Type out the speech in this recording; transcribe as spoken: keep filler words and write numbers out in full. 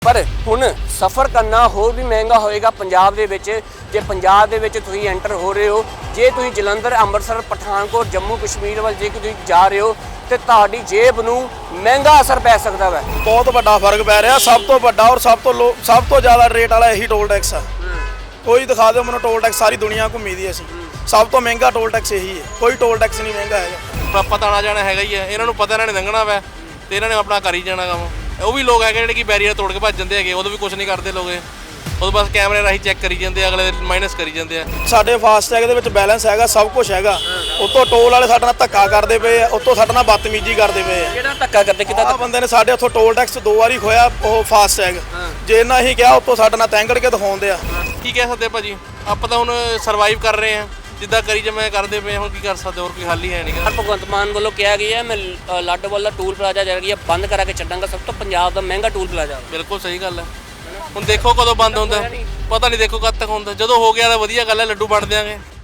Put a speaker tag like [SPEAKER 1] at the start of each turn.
[SPEAKER 1] पर हुण सफ़र करना होर भी महंगा होएगा पंजाब दे विच। जे पंजाब दे विच तुसीं एंटर हो रहे हो, जे तुसीं जलंधर अमृतसर पठानकोट जम्मू कश्मीर वाल जे तुसीं जा रहे हो तो तुहाडी जेब नूं महंगा असर पै सकदा है।
[SPEAKER 2] बहुत बड़ा फर्क पै रहा, सब तो बड़ा और सब तो लो सब तो ज़्यादा रेट वाला यही टोल टैक्स है। कोई दिखा दो मैंने टोल टैक्स, सारी दुनिया घूमी दी असीं, सब तो महंगा टोल टैक्स यही है, कोई टोल टैक्स नहीं महंगा है।
[SPEAKER 3] पता आना जाना हैगा ही है, इन्हां नूं पता इन्हां ने लंघना वै ते इन्हां ने अपना कर ही जाना काम। ਉਹ ਵੀ ਲੋਕ ਹੈਗੇ ਜਿਹੜੇ ਕਿ ਬੈਰੀਅਰ ਤੋੜ ਕੇ ਭੱਜ ਜਾਂਦੇ ਹੈਗੇ, ਉਦੋਂ ਵੀ ਕੁਝ ਨਹੀਂ ਕਰਦੇ ਲੋਕ, ਉਦੋਂ ਬਸ ਕੈਮਰੇ ਰਾਹੀਂ ਚੈੱਕ ਕਰੀ ਜਾਂਦੇ, ਅਗਲੇ ਮਾਈਨਸ ਕਰੀ ਜਾਂਦੇ ਆ।
[SPEAKER 2] ਸਾਡੇ ਫਾਸਟੈਗ ਦੇ ਵਿੱਚ ਬੈਲੈਂਸ ਹੈਗਾ, ਸਭ ਕੁਝ ਹੈਗਾ, ਉਤੋਂ ਟੋਲ ਵਾਲੇ ਸਾਡੇ ਨਾਲ ਧੱਕਾ ਕਰਦੇ ਪਏ ਆ, ਉਤੋਂ ਸਾਡੇ ਨਾਲ ਬਦਤਮੀਜ਼ੀ ਕਰਦੇ ਪਏ ਆ।
[SPEAKER 1] ਕਿਹੜਾ ਧੱਕਾ ਕਰਦੇ ਕਿਦਾਂ?
[SPEAKER 2] ਆਹ ਬੰਦੇ ਨੇ ਸਾਡੇ ਉੱਥੋਂ ਟੋਲ ਟੈਕਸ ਦੋ ਵਾਰੀ ਖੋਇਆ, ਉਹ ਫਾਸਟੈਗ ਜੇ ਇਹਨਾਂ ਹੀ ਕਿਹਾ ਉਤੋਂ ਸਾਡੇ ਨਾਲ ਤੈਂਗੜ ਕੇ ਦਿਖਾਉਂਦੇ ਆ।
[SPEAKER 3] ਕੀ ਕਹਿ ਸਕਦੇ ਭਾਜੀ, ਆਪਾਂ ਤਾਂ ਹੁਣ ਸਰਵਾਈਵ ਕਰ ਰਹੇ ਆ, ਜਿੱਦਾਂ ਕਰੀ ਜਿਵੇਂ ਕਰਦੇ ਪਏ, ਹੁਣ ਕੀ ਕਰ ਸਕਦੇ, ਹੋਰ ਕੋਈ ਹੱਲ ਹੀ ਹੈ ਨਹੀਂ।
[SPEAKER 1] ਭਗਵੰਤ ਮਾਨ ਵੱਲੋਂ ਕਿਹਾ ਗਿਆ ਹੈ ਮੈਂ ਲਾਡੋਵਾਲ ਦਾ ਟੂਲ ਪਲਾਜ਼ਾ ਜਿਹੜਾ ਬੰਦ ਕਰਾ ਕੇ ਛੱਡਾਂਗਾ, ਸਭ ਤੋਂ ਪੰਜਾਬ ਦਾ ਮਹਿੰਗਾ ਟੂਲ ਪਲਾਜ਼ਾ।
[SPEAKER 3] ਬਿਲਕੁਲ ਸਹੀ ਗੱਲ ਹੈ, ਹੁਣ ਦੇਖੋ ਕਦੋਂ ਬੰਦ ਹੁੰਦਾ, ਪਤਾ ਨਹੀਂ ਦੇਖੋ ਕਦ ਤੱਕ ਹੁੰਦਾ। ਜਦੋਂ ਹੋ ਗਿਆ ਤਾਂ ਵਧੀਆ ਗੱਲ ਹੈ, ਲੱਡੂ ਵੰਡ ਦਿਆਂਗੇ।